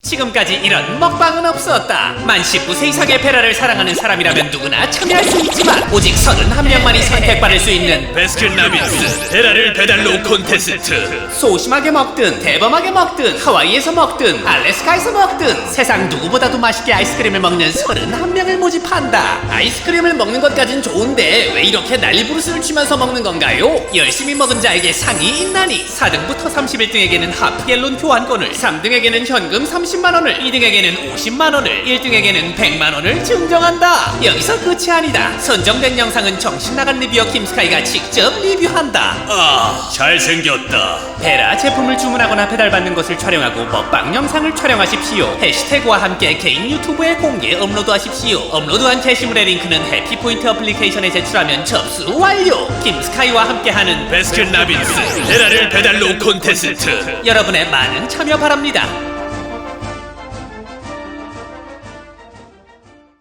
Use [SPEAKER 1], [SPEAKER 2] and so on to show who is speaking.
[SPEAKER 1] 지금까지 이런 먹방은 없었다. 만 19세 이상의 베라를 사랑하는 사람이라면 누구나 참여할 수 있지만 오직 31명만이 선택받을 수 있는
[SPEAKER 2] 베스킨라빈스 베라를 배달로 콘테스트.
[SPEAKER 1] 소심하게 먹든 대범하게 먹든 하와이에서 먹든 알래스카에서 먹든 세상 누구보다도 맛있게 아이스크림을 먹는 31명을 모집한다. 아이스크림을 먹는 것까진 좋은데 왜 이렇게 난리부르스를 치면서 먹는 건가요? 열심히 먹은 자에게 상이 있나니 4등부터 31등에게는 하프갤론 교환권을, 3등에게는 현금 30만원을, 2등에게는 50만원을, 1등에게는 100만원을 증정한다. 여기서 끝이 아니다. 선정된 영상은 정신나간 리뷰어 김스카이가 직접 리뷰한다.
[SPEAKER 2] 아, 잘생겼다.
[SPEAKER 1] 베라 제품을 주문하거나 배달받는 것을 촬영하고 먹방 영상을 촬영하십시오. 해시태그와 함께 개인 유튜브에 공개 업로드하십시오. 업로드한 게시물의 링크는 해피포인트 어플리케이션에 제출하면 접수 완료. 김스카이와 함께하는
[SPEAKER 2] 베스킨라빈스 베라를 배달로 콘테스트.
[SPEAKER 1] 여러분의 많은 참여 바랍니다.